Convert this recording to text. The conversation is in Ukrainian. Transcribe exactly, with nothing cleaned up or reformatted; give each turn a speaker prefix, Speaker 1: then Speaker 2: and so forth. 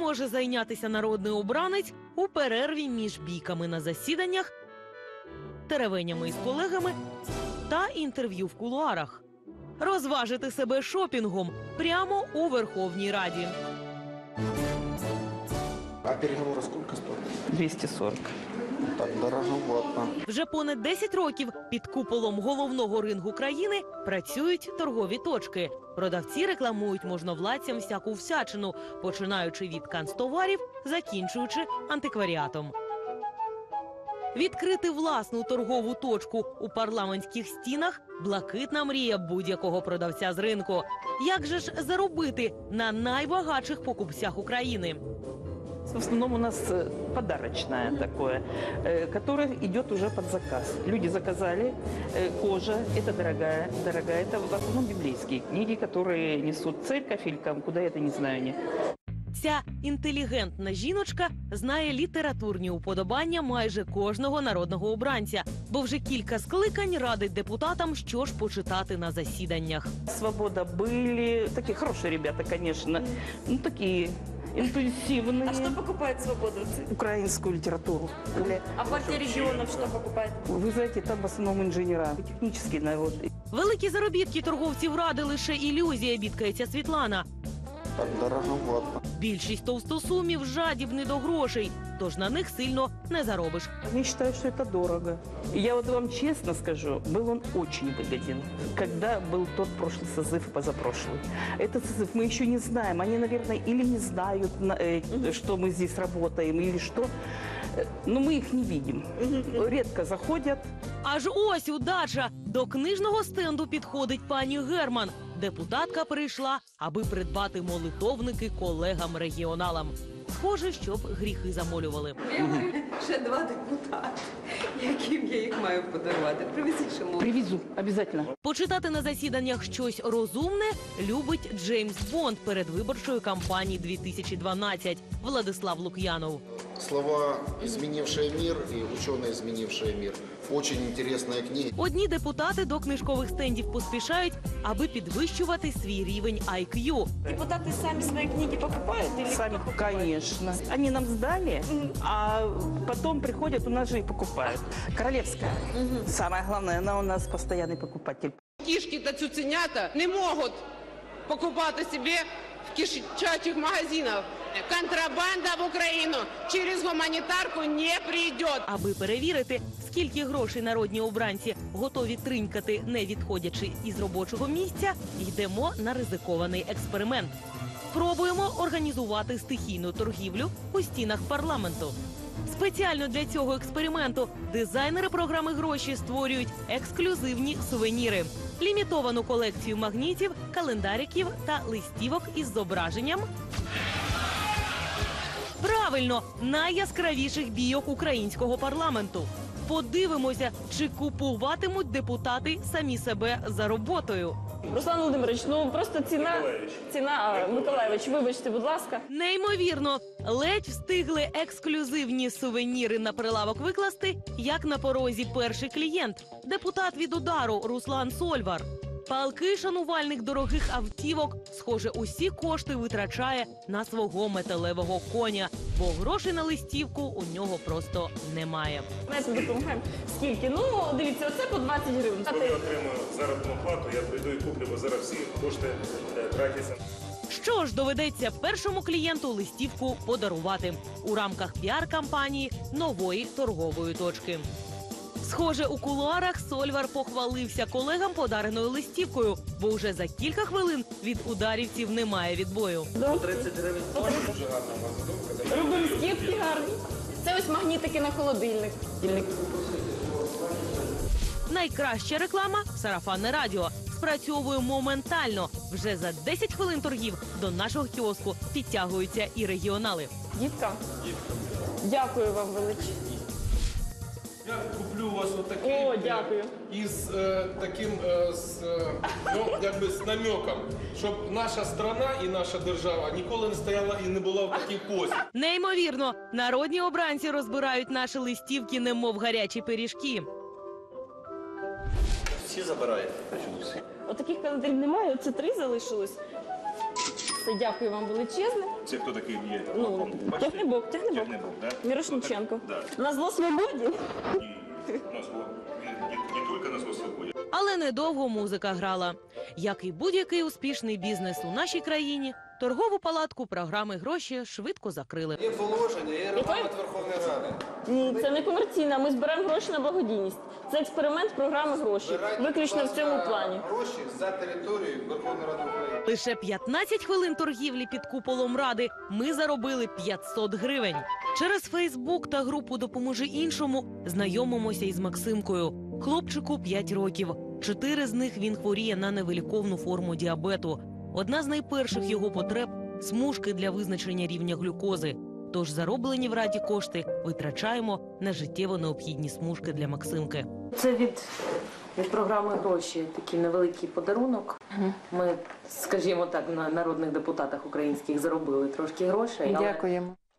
Speaker 1: може зайнятися народний обранець у перерві між бійками на засіданнях, теревенями із колегами та інтерв'ю в кулуарах. Розважити себе шопінгом прямо у Верховній Раді.
Speaker 2: А переговоры сколько стоят?
Speaker 3: двести сорок.
Speaker 2: Так дороговато.
Speaker 1: Вже понад десять років під куполом головного рингу країни працюють торгові точки. Продавці рекламують можновладцям всяку всячину, починаючи від канцтоварів, закінчуючи антикваріатом. Відкрити власну торгову точку у парламентських стінах – блакитна мрія будь-якого продавця з ринку. Як же ж заробити на найбагатших покупцях України?
Speaker 3: В основном у нас подарочное такое, которое идет уже под заказ. Люди заказали, кожа, это дорогая, дорогая. Это в основном библейские книги, которые несут церковь или там, куда это не знаю. Не.
Speaker 1: Ця інтелігентна жіночка знає літературні уподобання майже кожного народного обранця, бо вже кілька скликань радить депутатам, що ж почитати на засіданнях.
Speaker 3: Свобода были, такие хорошие ребята, конечно, ну такие интуитивные.
Speaker 4: А что покупает «Свобода»?
Speaker 3: Украинскую литературу.
Speaker 4: А партия регионов что покупает?
Speaker 3: Вы знаете, там в основном инженера, технические наводы.
Speaker 1: Великі заробітки торговців ради лише ілюзія, бідкається Світлана.
Speaker 2: Так дороговато.
Speaker 1: Більшість товстосумів жадібні до грошей, тож на них сильно не заробиш.
Speaker 3: Я считаю, что это дорого. И я вот вам честно скажу, был он очень выгоден, когда был тот прошлый созыв и позапрошлый. Этот созыв мы еще не знаем. Они, наверное, или не знают, э, что мы здесь работаем, или что. Но мы их не видим. Редко заходят.
Speaker 1: Аж ось удача! До книжного стенду підходить пані Герман. Депутатка прийшла, аби придбати молитовники колегам-регіоналам. Схоже, щоб гріхи замолювали.
Speaker 5: Ще два депутати, яким я їх маю подарувати. Привезіть ще мову.
Speaker 3: Привезу, обязательно.
Speaker 1: Почитати на засіданнях щось розумне любить Джеймс Бонд передвиборчої кампанії дві тисячі дванадцять Владислав Лук'янов.
Speaker 2: Слова «изменившие мир» и «ученые, изменившие мир». Очень интересная книга.
Speaker 1: Одні депутати до книжкових стендів поспішають, аби підвищувати свій рівень ай к'ю.
Speaker 4: Депутаты сами свои книги покупают? Или
Speaker 3: Сами,
Speaker 4: кто покупает?
Speaker 3: конечно. Они нам сдали, а потом приходят у нас же и покупают. Королевская. Самое главное, она у нас постоянный покупатель.
Speaker 6: Кішки та цуценята не можуть покупати собі в кишачих магазинах. Контрабанда в Україну через гуманітарку не прийде.
Speaker 1: Аби перевірити, скільки грошей народні обранці готові тринькати, не відходячи із робочого місця, йдемо на ризикований експеримент. Спробуємо організувати стихійну торгівлю у стінах парламенту. Спеціально для цього експерименту дизайнери програми «Гроші» створюють ексклюзивні сувеніри. Лімітовану колекцію магнітів, календариків та листівок із зображенням правильно, найяскравіших бійок українського парламенту. Подивимося, чи купуватимуть депутати самі себе за роботою.
Speaker 4: Руслан Володимирович, ну просто ціна... Ціна, а, Миколаєвич, вибачте, будь ласка.
Speaker 1: Неймовірно, ледь встигли ексклюзивні сувеніри на прилавок викласти, як на порозі перший клієнт – депутат від «Удару» Руслан Сольвар. Палкий шанувальник дорогих автівок, схоже, усі кошти витрачає на свого металевого коня, бо грошей на листівку у нього просто немає.
Speaker 4: Знаєте, допомагаємо. Скільки? Ну, дивіться, оце по двадцять гривень.
Speaker 7: Коли я отримую заробітну плату, я прийду і куплю, бо зараз всі кошти е, тратяться.
Speaker 1: Що ж, доведеться першому клієнту листівку подарувати у рамках піар-кампанії нової торгової точки. Схоже, у кулуарах Сольвар похвалився колегам подареною листівкою, бо вже за кілька хвилин від ударівців немає відбою.
Speaker 7: тридцять гривень. Дуже гарна у вас задумка.
Speaker 4: Робимо скидки гарні. Це ось магнітики на холодильник.
Speaker 1: Найкраща реклама – сарафанне радіо. Спрацьовує моментально. Вже за десять хвилин торгів до нашого кіоску підтягуються і регіонали.
Speaker 4: Дітка, дякую вам величезно.
Speaker 8: Я куплю у вас отакий.
Speaker 4: О, дякую.
Speaker 8: Із е, таким, е, з, е, ну, якби з намеком, щоб наша страна і наша держава ніколи не стояла і не була в такій позі.
Speaker 1: Неймовірно, народні обранці розбирають наші листівки, немов гарячі пиріжки.
Speaker 7: Всі забирають.
Speaker 4: Отаких календарів немає, оце три залишилось. Все, дякую вам величезне.
Speaker 7: Це хто такий є?
Speaker 4: Ну, Тягнебок, Тягнебок.
Speaker 7: Тягнебок, да?
Speaker 4: Мірошниченко.
Speaker 7: Да.
Speaker 4: На зло свободі.
Speaker 7: Ні, на зло. Не, не, не тільки на зло свободі.
Speaker 1: Але недовго музика грала. Як і будь-який успішний бізнес у нашій країні, торгову палатку програми «Гроші» швидко закрили.
Speaker 8: Є положення, є регламент Верховної Ради.
Speaker 4: Ні, це не комерційна. Ми збираємо гроші на благодійність. Це експеримент програми «Гроші». Виключно в цьому плані.
Speaker 8: Гроші за територією Верховної Ради України.
Speaker 1: Лише п'ятнадцять хвилин торгівлі під куполом Ради ми заробили п'ятсот гривень. Через Фейсбук та групу «Допоможи іншому» знайомимося із Максимкою. Хлопчику п'ять років. Чотири з них він хворіє на невиліковну форму діабету. Одна з найперших його потреб – смужки для визначення рівня глюкози. Тож зароблені в Раді кошти витрачаємо на життєво необхідні смужки для Максимки.
Speaker 9: Це від, від програми «Гроші» такий невеликий подарунок. Ми, скажімо так, на народних депутатах українських заробили трошки грошей. Але
Speaker 10: Дякуємо.